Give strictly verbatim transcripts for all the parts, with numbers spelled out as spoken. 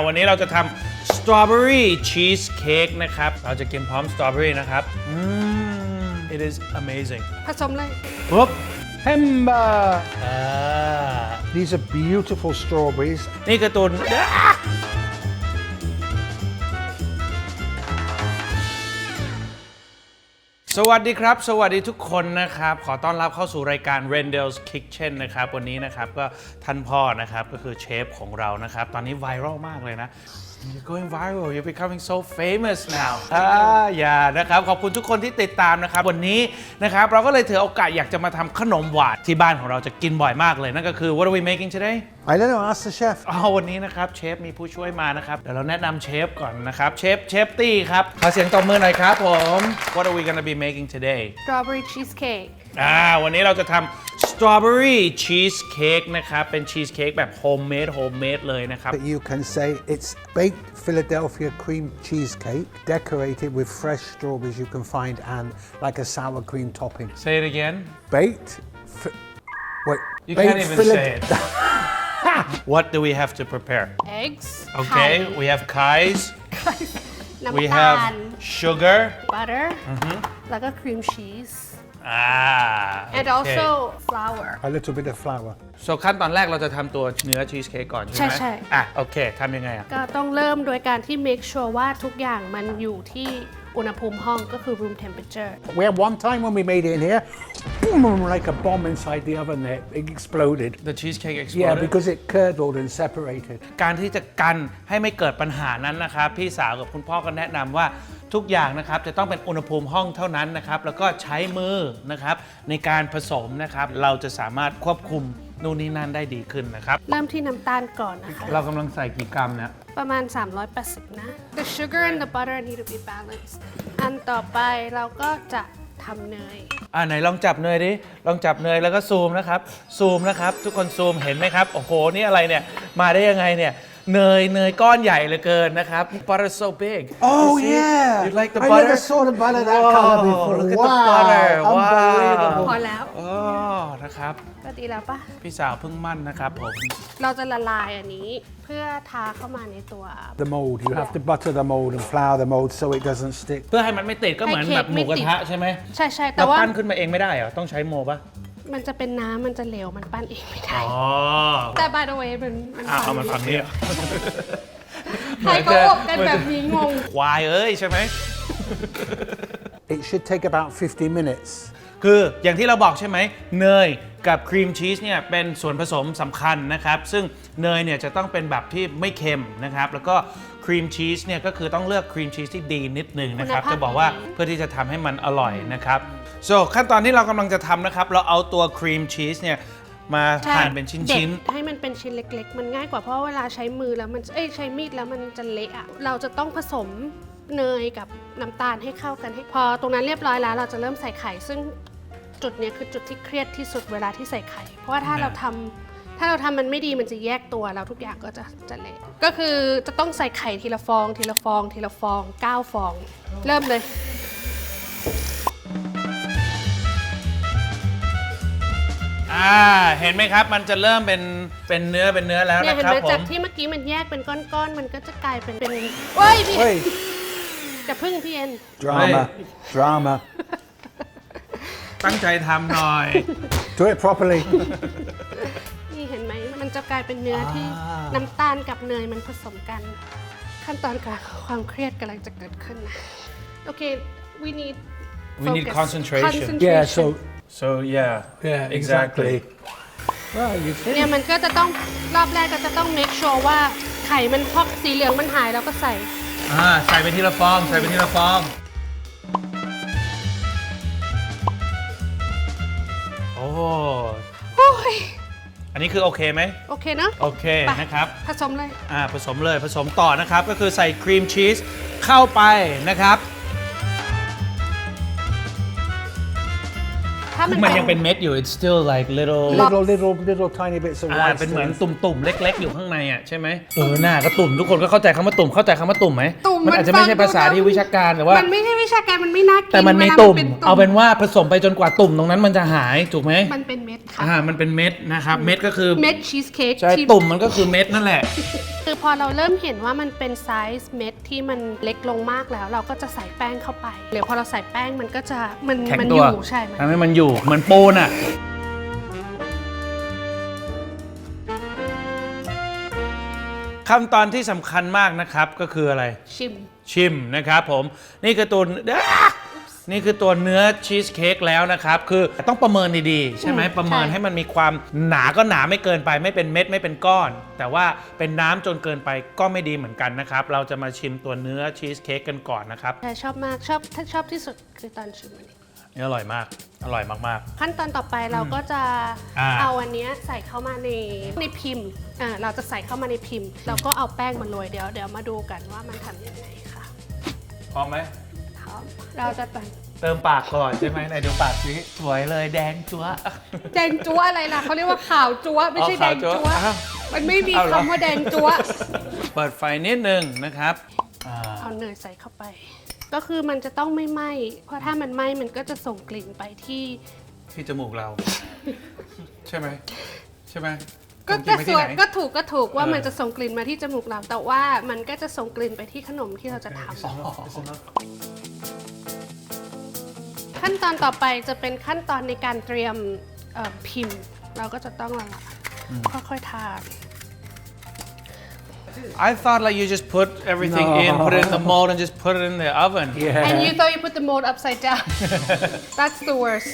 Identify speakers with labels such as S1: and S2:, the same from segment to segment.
S1: วันนี้เราจะทำ strawberry cheesecake นะครับเราจะกินพร้อม strawberry นะครับอืม it is amazing
S2: ผสมเลย
S1: ปุ๊บ
S3: Hemba!
S1: อ่า
S3: These are beautiful strawberries.
S1: นี่การ์ตูนสวัสดีครับสวัสดีทุกคนนะครับขอต้อนรับเข้าสู่รายการ Rendel's Kitchen นะครับวันนี้นะครับก็ท่านพ่อนะครับก็คือเชฟของเรานะครับตอนนี้ไวรัลมากเลยนะ You're going viral you're becoming so famous now อ่าอย่านะครับขอบคุณทุกคนที่ติดตามนะครับวันนี้นะครับเราก็เลยถือโอกาสอยากจะมาทำขนมหวานที่บ้านของเราจะกินบ่อยมากเลยนั่นก็คือ What are we making today
S3: I don't know, ask the chef.
S1: อ๋อวันนี้นะครับเชฟมีผู้ช่วยมานะครับเดี๋ยวเราแนะนำเชฟก่อนนะครับเชฟเชฟตี้ครับขอเสียงตบมือหน่อยครับผม What are we gonna be making today
S2: strawberry cheesecake
S1: อ่าวันนี้เราจะทำ strawberry cheesecake นะครับเป็นชีสเค้กแบบ homemade homemade เลยนะครับ
S3: But you can say it's baked Philadelphia cream cheesecake decorated with fresh strawberries you can find and like a sour cream topping.
S1: Say it again
S3: Baked. Fi- wait.
S1: You
S3: baked
S1: can't even
S3: Phila-
S1: say it What do we have to prepare
S2: eggs
S1: Okay
S2: ไข่
S1: we have pies
S2: น้ำ
S1: we
S2: ตา
S1: have
S2: ล
S1: sugar
S2: butter แล้วก็ cream cheese
S1: อ่า
S2: and also flour
S3: A little bit of flour.
S1: so ขั้นตอนแรกเราจะทำตัวเนื้อชีสเค้กก่อนใช่ไหม
S2: ใช่ๆ
S1: อ่ะโอเคทำยังไงอ่ะ
S2: ก็ต้องเริ่มโดยการที่ make sure ว่าทุกอย่างมันอยู่ที่อุณหภูมิห้องก็คือ room temperature
S3: We had one time when we made it in here, boom, like a bomb inside the oven there. It exploded.
S1: The cheesecake
S3: Yeah,
S1: exploded
S3: because it curdled and separated.
S1: การที่จะกันให้ไม่เกิดปัญหานั้นนะครับพี่สาวกับคุณพ่อก็แนะนำว่าทุกอย่างนะครับจะต้องเป็นอุณหภูมิห้องเท่านั้นนะครับแล้วก็ใช้มือนะครับในการผสมนะครับเราจะสามารถควบคุมนู่นนี่นั่นได้ดีขึ้นนะครับ
S2: เริ่มที่น้ำตาลก่อนนะคะ
S1: เรากำลังใส่กี่กรัมเนี่ย
S2: ประมาณ สามร้อยแปดสิบ นะ The sugar and the butter need to be balanced อันต่อไปเราก็จะทำเนย
S1: อ่าไหนลองจับเนยดิลองจับเนยแล้วก็ซูมนะครับซูมนะครับทุกคนซูมเห็นไหมครับโอ้โหนี่อะไรเนี่ยมาได้ยังไงเนี่ยเนยเนยก้อนใหญ่เหลือเกินนะครับ butter so big
S3: Oh,
S1: You see?
S3: yeah.
S1: You like the
S3: I
S1: butter
S3: never saw the butter that
S1: Whoa,
S3: color before.
S1: look at the
S3: Wow,
S1: butter. Wow.
S3: unbelievable.
S2: พอแล้ว
S1: อ๋อนะครับ
S2: ก็ดีแล้วปะ
S1: พี่สาวเพิ่งมั่นนะครับผม
S2: เราจะละลายอันนี้เพื่อทาเข้ามาในตัว
S3: The mold. You have to butter the mold and flour the mold so it doesn't stick.
S1: เพื่อให้มันไม่ติดก็เหมือนแบบหมูกระทะใช่ไหม
S2: ใช่ใช่แต่
S1: เรา
S2: ว่า
S1: ปั้นขึ้นมาเองไม่ได้เหรอต้องใช้โมปะ
S2: มันจะเป็นน้ำมันจะเหลวมันปั้นเองไม่ได้
S1: อ๋อ
S2: แต่ by the way มันมัน
S1: อ้าวเอามันฝั่งนี้เหรอ
S2: ใครเขาอบกันแบบนี้งง
S1: ควายเอ้ยใช่ไหม
S3: It should take about fifty minutes.
S1: คืออย่างที่เราบอกใช่ไหมเนยกับครีมชีสเนี่ยเป็นส่วนผสมสำคัญนะครับซึ่งเนยเนี่ยจะต้องเป็นแบบที่ไม่เค็มนะครับแล้วก็ครีมชีสเนี่ยก็คือต้องเลือกครีมชีสที่ดีนิดนึงนะครับ
S2: คุณภาพ
S1: จะบอกว่าเพื่อที่จะทำให้มันอร่อยนะครับ so ขั้นตอนที่เรากำลังจะทำนะครับเราเอาตัวครีมชีสเนี่ยมา
S2: ใช่
S1: หั่นเป็นชิ้น
S2: เด็
S1: ๆ
S2: ดให้มันเป็นชิ้นเล็กๆ มันง่ายกว่าเพราะเวลาใช้มือแล้วมันเอ้ยใช้มีดแล้วมันจะเละอะเราจะต้องผสมเนยกับน้ำตาลให้เข้ากันให้พอตรงนั้นเรียบร้อยแล้วเราจะเริ่มใส่ไข่ซึ่งจุดเนี้ยคือจุดที่เครียดที่สุดเวลาที่ใส่ไข่เพราะว่าถ้าเราทำถ้าเราทำมันไม่ดีมันจะแยกตัวแล้วทุกอย่างก็จะจะเละก็คือจะต้องใส่ไข่ทีละฟอง ทีละฟอง ทีละฟองเก้าฟอง เริ่มเลย
S1: อ่าเห็นไหมครับมันจะเริ่มเป็นเป็นเนื้อเป็นเนื้อแล้ว
S2: เนี่ย
S1: นะ
S2: เห็น
S1: ครับ
S2: ไหม
S1: ผ
S2: จาก
S1: ม
S2: ที่เมื่อกี้มันแยกเป็นก้อนๆ มันก็จะกลายเป็นเป็นเว้ยพี่
S3: Wait,
S2: จะพึ่งพี่เอ็น
S3: drama, drama.
S1: ตั้งใจทำหน่อย
S3: Do it properly.
S2: นี่เห็นไหมมันจะกลายเป็นเนื้อที่น้ำตาลกับเนยมันผสมกัน ขั้นตอนการความเครียดกำลังจะเกิดขึ้นนะโอเค we need
S1: We need
S2: focus.
S1: concentration.
S3: Yeah, so
S1: so yeah
S3: yeah, exactly. Well, you
S2: เนี่ยมันก็จะต้องรอบแรกก็จะต้อง make sure ว่าไข่มันพอกสีเหลืองมันหายแล้วก็ใส่
S1: อ่าใส่ไปทีละฟองใส่ไปทีละฟองโอ้
S2: โอ้ย
S1: อันนี้คือโอเคไหม
S2: โอเคเนอะ
S1: โอเค
S2: ไป
S1: นะครับ
S2: ผสมเลย
S1: อ่าผสมเลยผสมต่อนะครับก็คือใส่ครีมชีสเข้าไปนะครับ
S2: ทถ้ามัน
S1: มันยังเป็นเม็ดอยู่ it's still like little
S3: Little, little, little tiny bits of
S1: อ่า
S3: rice.
S1: เป็นเหมือน
S3: things.
S1: ตุ่มๆ เล็ก ๆ อยู่ข้างในอ่ะใช่ไหมเออหน้าก็ตุ่มทุกคนก็เข้าใจคำว่าตุ่มเข้าใจคำว่าตุ่มไหม
S2: ตุ่ม
S1: มันอาจจะไม่ใช่ภาษาที่วิชาการแต่ว่า
S2: มันไม่ใช่วิชาการมันไม่น่ากิน
S1: แต่มันมี
S2: วลา
S1: ตุ่ม
S2: ป็
S1: เอาเป็นว่าผสมไปจนกว่าตุ่มตรงนั้นมันจะหายถูกไหม
S2: มันเป็นเม็ดค่ะ
S1: อ่ามันเป็นเม็ดนะครับเม็ดก็คือ
S2: เม็ดชีสเค้ก
S1: ใช่
S2: ที่
S1: ตุ่มมันก็คือเม็ดนั่นแหละ
S2: คือพอเราเริ่มเห็นว่ามันเป็นไซส์เม็ดที่มันเล็กลงมากแล้ว เราก็จะใส่แป้งเข้าไปเดี๋ยวพอเราใส่แป้งมันก็จะมัน
S1: แข็ง
S2: มัน
S1: ตั
S2: อ
S1: ว
S2: ยู่ใช่มัน
S1: ทำให้มันอยู่เหมือนปูนอ่ะขั้นตอนที่สำคัญมากนะครับก็คืออะไร
S2: ชิม
S1: ชิมนะครับผมนี่คือตัวนี่คือตัวเนื้อชีสเค้กแล้วนะครับคือต้องประเมินดีๆใช่ไหม
S2: อืม
S1: ประเมิน
S2: ใช่
S1: ให้มันมีความหนาก็หนาไม่เกินไปไม่เป็นเม็ดไม่เป็นก้อน แต่ว่าเป็นน้ำจนเกินไปก็ไม่ดีเหมือนกันนะครับเราจะมาชิมตัวเนื้อชีสเค้กกันก่อนนะครับ
S2: ใช่ชอบมากชอบถ้าชอบที่สุดคือตอนชิมอันนี้
S1: นี่อร่อยมากอร่อยมาก
S2: ขั้นตอนต่อไปเราก็จะ
S1: อ่า
S2: เอาอันเนี้ยใส่เข้ามาในในพิมพ์อ่าเราจะใส่เข้ามาในพิมพ์แล้วก็เอาแป้งมาโรยเดี๋ยวเดี๋ยวมาดูกันว่ามันทำยังไงค่ะ
S1: ๆพร้อมไหม
S2: ครับเราจะแต่ง
S1: เติมปากก่อนใช่ไหมไหนดูปากสิสวยเลยแดงจั๊วะ
S2: แดงจั๊วอะไรล่ะเขาเรียกว่าขาวจั๊วไม่ใช่
S1: อ๋
S2: แด
S1: อง ขาวจั๊
S2: จั๊
S1: ว
S2: ว
S1: อ้าว
S2: มันไม่มี
S1: เอาเหรอ
S2: คำว่าแดงจั๊ว
S1: เปิดไฟนิดนึงนะครับอ่า
S2: เอาเนยใส่เข้าไป ก็คือมันจะต้องไม่ไหม้เพราะถ้ามันไหม้มันก็จะส่งกลิ่นไปที่
S1: ที่จมูกเรา ใช่ไหมใช่ไหม
S2: ก็
S1: ส่งลิ่นไปที่
S2: จะส่วน
S1: ไหน
S2: ก็ถูกก็ถูกว่า
S1: เออ
S2: มันจะส่งกลิ่นมาที่จมูกเรา แต่ว่ามันก็จะส่งกลิ่นไปที่ขนมที่เราจะทำ ขั้นตอนต่อไปจะเป็นขั้นตอนในการเตรียมเอ่อพิมพ์ เราก็จะต้องค่อยๆทา
S1: I thought like you just put everything
S3: No.
S1: in, put it in the mold, and just put it in the oven.
S3: Yeah.
S2: and you thought you put the mold upside down that's the worst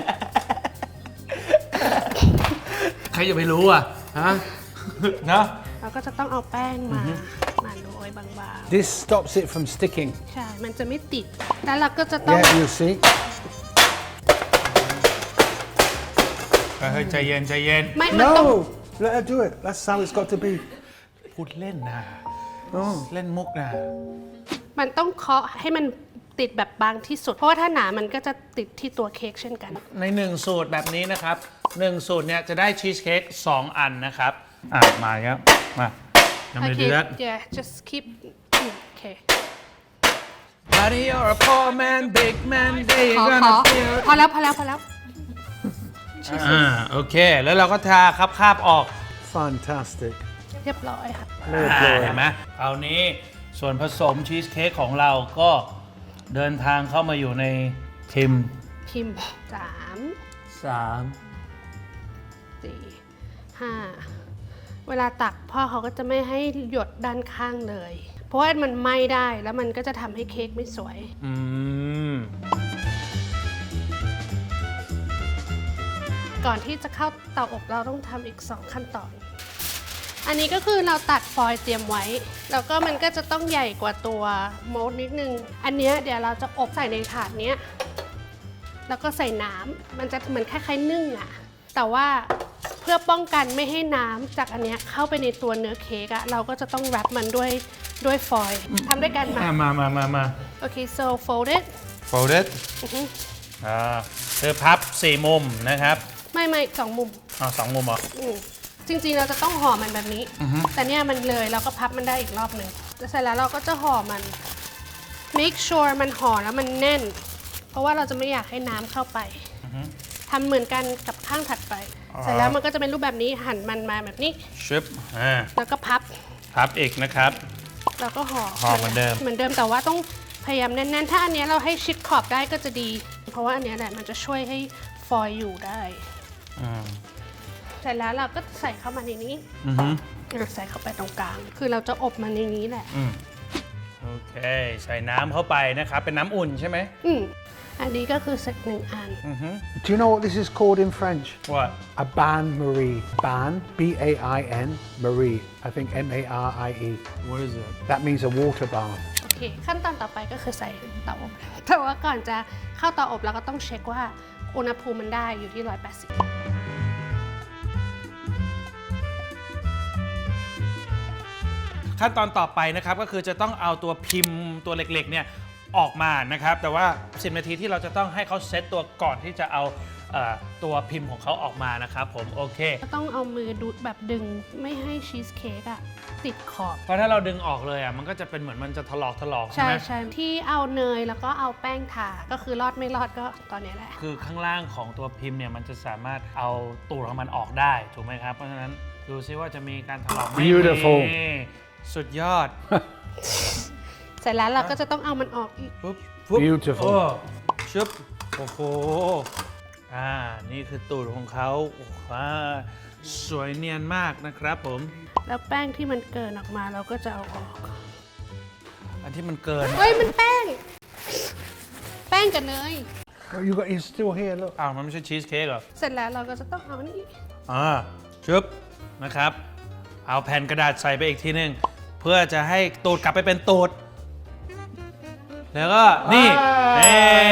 S1: ใครจะไปรู้อ่ะฮะ เนอะ
S2: เราก็จะต้องเอาแป้งมามาโรยบาง
S3: This stops it from sticking.
S2: ๆ ใช่ มันจะไม่ติด แล้วเราก็จะต้อง
S3: Yeah, you see.
S1: เฮ้ยใจเย็นใจเย็น
S2: ไม่มันต้อง
S3: No, let her do it. That's how it's got to be.
S1: พูดเล่นนะเล่นมุกนะ
S2: มันต้องเคาะให้มันติดแบบบางที่สุด เพราะว่าถ้าหนามันก็จะติดที่ตัวเค้กเช่นกัน
S1: ในหนึ่งสูตรแบบนี้นะครับหนึ่งสูตรเนี่ยจะได้ชีสเค้กสองอันนะครับอ่ะมาครับมายังไม่
S2: โอเค
S1: ดูแล้ว
S2: yeah just keep อืมโอเค
S1: Buddy you're a poor man big man they
S2: ขอ
S1: gonna
S2: ขอ
S1: feel
S2: พอแล้วพอแล้วพอแล้ว
S1: อ่าโอเค แล้วเราก็ทาครับคาบออก
S3: Fantastic.
S2: เรียบร้อยค่ะ
S1: อ่าเห็นไหมคราวนี้ส่วนผสมชีสเค้กของเราก็เดินทางเข้ามาอยู่ในพิมพ์
S2: พิมพ์สาม
S1: สาม
S2: สี่ห้าเวลาตักพ่อเขาก็จะไม่ให้หยดด้านข้างเลย เพราะว่ามันไหม้ได้แล้วมันก็จะทำให้เค้กไม่สวย
S1: อืม
S2: ก่อนที่จะเข้าเตาอบเราต้องทำอีกสองขั้นตอน อันนี้ก็คือเราตัดฟอยล์เตรียมไว้ แล้วก็มันก็จะต้องใหญ่กว่าตัวโมลด์นิดนึง อันเนี้ยเดี๋ยวเราจะอบใส่ในถาดเนี้ย แล้วก็ใส่น้ำ มันจะเหมือนคล้ายๆนึ่งอะแต่ว่าเพื่อป้องกันไม่ให้น้ำจากอันเนี้ยเข้าไปในตัวเนื้อเค้กอะเราก็จะต้องแรปมันด้วยด้วยฟอยล์ทำด้วยกันมา
S1: อ่ะมามามามา
S2: โอเค so fold it
S1: folded
S2: อือฮึ
S1: อ่าคือพับสี่มุมนะครับ
S2: ไม่ไม่สองมุม
S1: อ๋อสองมุมเหรอ
S2: อืมจริงๆ เราจะต้องห่อมันแบบนี้ แต่เนี่ยมันเลยเราก็พับมันได้อีกรอบหนึ่งแล้วเสร็จแล้วเราก็จะห่อมัน make sure มันห่อแล้วมันแน่น เพราะว่าเราจะไม่อยากให้น้ำเข้าไปทำเหมือนกันกับข้างถัดไป เสร็จแล้วมันก็จะเป็นรูปแบบนี้หั่นมันมาแบบนี้
S1: ชิปอ่า
S2: แล้วก็พับ
S1: พับอีกนะครับ
S2: แล้วก็ห่อ
S1: ห่อเหมือนเดิม
S2: เหมือนเดิมแต่ว่าต้องพยายามแน่นๆ ถ้าอันเนี้ยเราให้ชิดขอบได้ก็จะดี เพราะว่าอันเนี้ยแหละมันจะช่วยให้ฟอยล์อยู่ได้
S1: อืม
S2: เสร็จแล้วเราก็ใส่เข้ามาในนี้
S1: อือฮึ
S2: เราใส่เข้าไปตรงกลาง คือเราจะอบมันในนี้แหละ
S1: อืมโอเค ใส่น้ำเข้าไปนะครับ เป็นน้ำอุ่นใช่ไหม
S2: อืมอันนี้ก็คือเสร็จหนึ่งอัน
S1: อือฮึ
S3: Do you know what this is called in French?
S1: What
S3: A bain Marie. Bain, B A I N, Marie. I think M A R I E.
S1: What is it
S3: That means a water bath.
S2: โอเค ขั้นตอนต่อไปก็คือใส่เตาอบ แต่ว่าก่อนจะเข้าเตาอบเราก็ต้องเช็คว่าอุณหภูมิมันได้อยู่ที่หนึ่งร้อยแปดสิบ
S1: ขั้นตอนต่อไปนะครับก็คือจะต้องเอาตัวพิมพ์ตัวเล็กๆเนี่ยออกมานะครับ แต่ว่าสิบนาทีที่เราจะต้องให้เขาเซตตัวก่อนที่จะเอาเอ่อตัวพิมพ์ของเขาออกมานะครับผมโอเค
S2: ต้องเอามือดูดแบบดึงไม่ให้ชีสเค้กอะติดขอบ
S1: เพราะถ้าเราดึงออกเลยอ่ะมันก็จะเป็นเหมือนมันจะถลอกถลอกใช่
S2: ใช่
S1: ไหม
S2: ใช่ที่เอาเนยแล้วก็เอาแป้งทาก็คือรอดไม่รอดก็ตอนนี้แหละ
S1: คือข้างล่างของตัวพิมพ์เนี่ยมันจะสามารถเอาตูดของมันออกได้ถูกไหมครับเพราะฉะนั้นดูซิว่าจะมีการถลอกไหม
S3: Beautiful
S1: นี่สุดยอด
S2: เสร็จแล้วเราก็จะต้องเอามันออกอีก
S1: ปุ๊บปุ๊บ
S3: Beautiful
S1: โอ้ชึบโอ้โหอ่านี่คือตูดของเขาว้าสวยเนียนมากนะครับผม
S2: แล้วแป้งที่มันเกินออกมาเราก็จะเอาออก
S1: อันที่มันเกิน
S2: เฮ้ย มันแป้ง แป้งกับเนย
S3: Oh, you got it's still here. Look.
S1: อ้าวมันไม่ใช่ชีสเค้กเหรอ
S2: เสร็จแล้วเราก็จะต้องเอานี่
S1: อ่าชึบนะครับ เอาแผ่นกระดาษใส่ไปอีกทีหนึ่งเพื่อจะให้ตูดกลับไปเป็นตูด แล้วก็นี่เอ้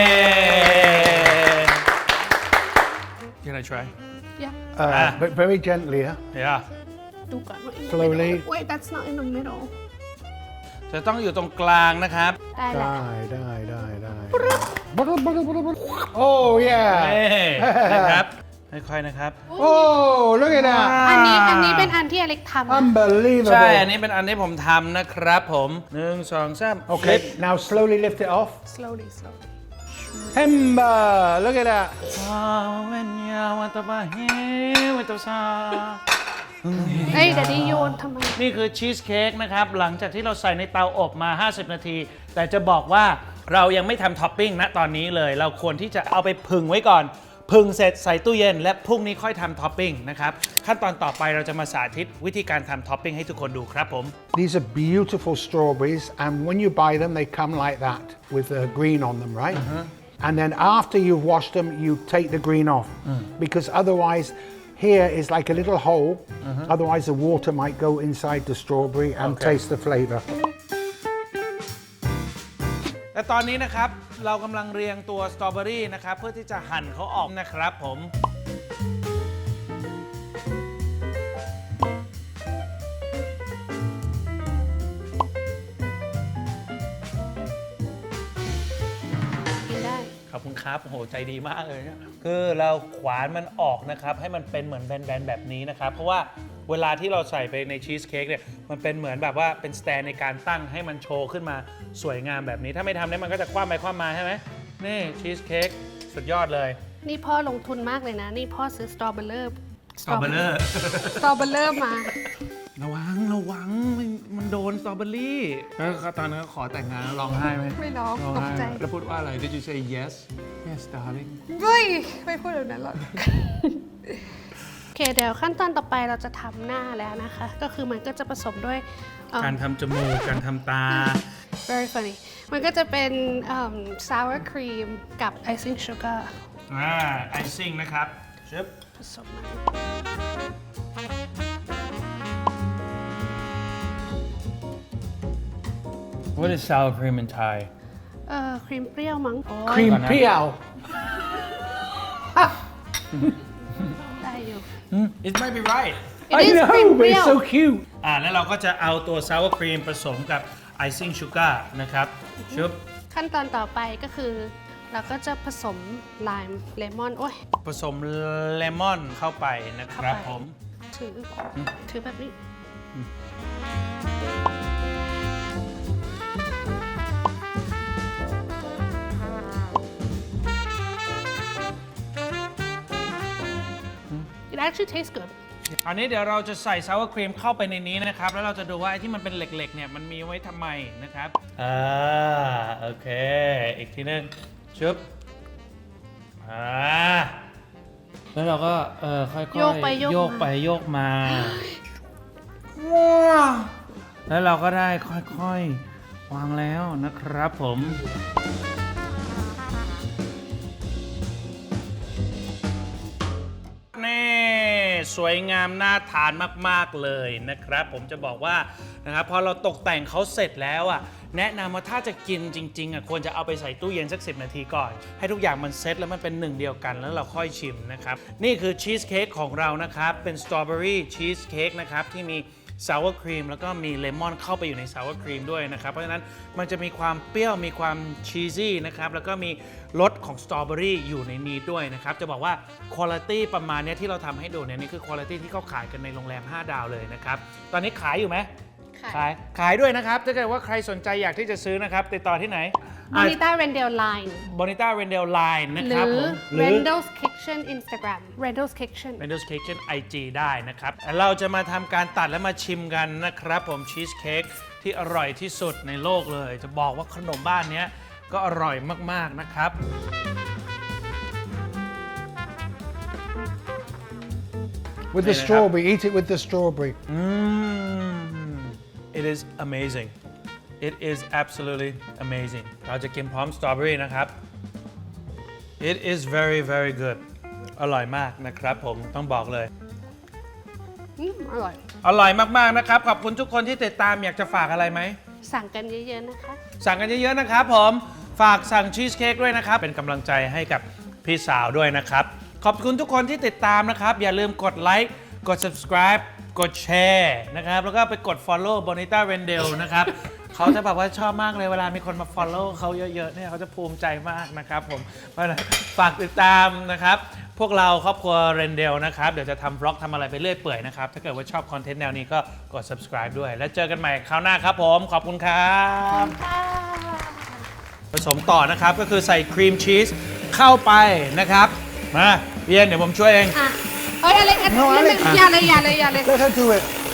S1: Can I try?
S2: yeah
S3: Uh,
S1: Ah.
S3: But very gently, huh?
S1: Yeah
S2: ดูก่อนว่า
S3: Slowly.
S2: wait that's not in the middle
S1: จะต้องอยู่ตรงกลางนะครับ
S2: ได้แล้ว
S3: Die, die, die, die. Bottle, bottle, bottle, bottle. Oh
S1: เอ้
S3: yeah.
S1: นะครับ ค่อยๆนะครับ
S3: Oh, look at that.
S2: อันนี้อันนี้เป็นอันที่อเล็กทำนะ
S3: Unbelievable.
S1: ใช่ อันนี้เป็นอันที่ผมทำนะครับผมหนึ่งสองสาม
S3: Okay, now slowly lift it off.
S2: slowly slowly
S3: Timber, look at that.
S1: ว้าวเวนยาวัตบะเฮวัตซา
S2: เอ้ยเดี๋ยวนี้โยนทำไม
S1: นี่คือชีสเค้กนะครับ หลังจากที่เราใส่ในเตาอบมา ห้าสิบ นาที แต่จะบอกว่าเรายังไม่ทำท็อปปิ้งณตอนนี้เลย เราควรที่จะเอาไปผึ่งไว้ก่อน ผึ่งเสร็จใส่ตู้เย็น และพรุ่งนี้ค่อยทำท็อปปิ้งนะครับ ขั้นตอนต่อไปเราจะมาสาธิตวิธีการทำท็อปปิ้งให้ทุกคนดูครับผม
S3: These are beautiful strawberries, and when you buy them, they come like that with the green on them, right? And then after you've washed them, you take the green off because otherwise, here is like a little hole. Otherwise, the water might go inside the strawberry and
S1: Okay.
S3: taste the flavor.
S1: และตอนนี้นะครับเรากำลังเรียงตัวสตรอเบอรี่นะครับเพื่อที่จะหั่นเขาออกนะครับผม
S2: กินได้
S1: ขอบคุณครับโอ้โหใจดีมากเลยเนี่ยคือเราขวานมันออกนะครับให้มันเป็นเหมือนแบนๆแบบนี้นะครับเพราะว่าเวลาที่เราใส่ไปในชีสเค้กเนี่ยมันเป็นเหมือนแบบว่าเป็นสแตนในการตั้งให้มันโชว์ขึ้นมาสวยงามแบบนี้ถ้าไม่ทำเนี่ยมันก็จะคว่ำไปคว่ำมาใช่ไหมนี่ชีสเค้กสุดยอดเลย
S2: นี่พ่อลงทุนมากเลยนะ นี่พ่อซื้อสตรอเบอร์เลอร์
S1: สตรอเบอร์เลอร์
S2: สตรอเบอร์เลอร์มา
S1: ระวังระวังมันมันโดนสตรอเบอรี่แล้วตอนนั้นขอแต่งงานแล้วร้องไห้ไหม
S2: ไม่ร้อง
S1: ร้อง
S2: ตก
S1: ไห้
S2: ใจ
S1: แล้วพูดว่าอะไร Did you say yes yes darling
S2: เฮ้ย ไม่พูดแบบนั้นหรอก โอเค เดี๋ยวขั้นตอนต่อไปเราจะทำหน้าแล้วนะคะ ก็คือมันก็จะผสมด้วยเอิ่ม
S1: การทำจมูกการทำตา
S2: very funny มันก็จะเป็นเอิ่ม sour cream กับ icing sugar
S1: อ่าไอซิ่งนะครับชึบ
S2: ผสมมา
S1: What is sour cream in Thai
S2: เอ่อครีมเปรี้ยวมั้งโอ้ย
S3: Cream piao.
S2: ได้อยู่
S1: It might be right
S2: It
S3: I
S2: is
S3: know,
S2: ครีม
S3: but
S2: เปรี้ยว
S3: it's so cute.
S1: อ่าแล้วเราก็จะเอาตัว sour cream ผสมกับ icing sugar นะครับชึบ
S2: ขั้นตอนต่อไปก็คือ เราก็จะผสมไลม์เลมอนโอ้ย
S1: ผสมเลมอนเข้าไปนะครับ
S2: เข้าไป
S1: ผม
S2: ถือ ถือแบบนี้ It actually tastes good
S1: อันนี้เดี๋ยวเราจะใส่ sour cream เข้าไปในนี้นะครับ แล้วเราจะดูว่าไอ้ที่มันเป็นเหล็กๆเนี่ยมันมีไว้ทำไมนะครับอ่าโอเค อีกทีนึงชึบอ่าแล้วเราก็เออค่อยๆ
S2: โยกไปโยกมา
S1: โยกไปโยกมาว้าวแล้วเราก็ได้ค่อยๆวางแล้วนะครับผม นี่สวยงามน่าทานมากๆเลยนะครับ ผมจะบอกว่านะครับพอเราตกแต่งเขาเสร็จแล้วอ่ะแนะนำว่าถ้าจะกินจริงๆอ่ะควรจะเอาไปใส่ตู้เย็นสักสิบนาทีก่อน ให้ทุกอย่างมันเซ็ตแล้วมันเป็นหนึ่งเดียวกันแล้วเราค่อยชิมนะครับนี่คือชีสเค้กของเรานะครับเป็นสตรอเบอรี่ชีสเค้กนะครับที่มีซาวครีมแล้วก็มีเลมอนเข้าไปอยู่ในซาวครีมด้วยนะครับเพราะฉะนั้นมันจะมีความเปรี้ยวมีความชีซี่นะครับแล้วก็มีรสของสตรอเบอรี่อยู่ในนี้ด้วยนะครับจะบอกว่าคุณภาพประมาณนี้ที่เราทำให้ดูเนี่ยนี่คือคุณภาพที่เขาขายกันในโรงแรมห้าดาวเลยนะครับตอนนี้ขายอยู่ไหม
S2: ค่ะ
S1: ขายขายด้วยนะครับถ้าเกิดว่าใครสนใจอยากที่จะซื้อนะครับติดต่อที่ไหน
S2: Bonita Rendell Line
S1: บอนิต้าเรนเดลไลน์นะ
S2: ห
S1: ค
S2: รื
S1: รับ
S2: อ
S1: ผมหรือ
S2: Rendell's Kitchen Instagram Rendell's Kitchen
S1: Mendo's Kitchen ไอ จี ได้นะครับ เราจะมาทำการตัดและมาชิมกันนะครับผมชีสเค้กที่อร่อยที่สุดในโลกเลย จะบอกว่าขนมบ้านเนี้ยก็อร่อยมาก ๆ นะครับ
S3: With the
S1: Say that.
S3: strawberry, eat it with the strawberry.
S1: Mm, it is amazing it is absolutely amazing เราจะกินพร้อมสตรอเบอรี่นะครับ it is very very good อร่อยมากนะครับผมต้องบอกเลย
S2: อืมอร่อย
S1: อร่อยมาก ๆ นะครับ ขอบคุณทุกคนที่ติดตามอยากจะฝากอะไรไหม
S2: สั่งกันเยอะๆนะคะ
S1: สั่งกันเยอะ ๆ นะครับผมฝากสั่งชีสเค้กด้วยนะครับ เป็นกำลังใจให้กับพี่สาวด้วยนะครับ ขอบคุณทุกคนที่ติดตามนะครับ อย่าลืมกดไลค์กด subscribe กดแชร์นะครับ แล้วก็ไปกด follow Bonita Rendell นะครับ เขาจะแบบว่าชอบมากเลยเวลามีคนมา follow เขาเยอะๆเนี่ยเขาจะภูมิใจมากนะครับผมเพราะฉะนั้นฝากติดตามนะครับ พวกเราครอบครัวเรนเดลนะครับเดี๋ยวจะทำบล็อกทำอะไรไปเรื่อยเปื่อยนะครับ ถ้าเกิดว่าชอบคอนเทนต์แนวนี้ก็กด subscribe ด้วย แล้วเจอกันใหม่คราวหน้าครับผมขอบคุณครับผสมต่อนะครับก็คือใส่ครีมชีสเข้าไปนะครับมาเบียนเดี๋ยวผมช่วยเอง
S2: อ่ะเอ้ยอะไรอัน
S3: No,
S2: นั้น
S3: Alex
S2: อย่าเลยอย่าเลยอย่าเลย
S3: Let her do it.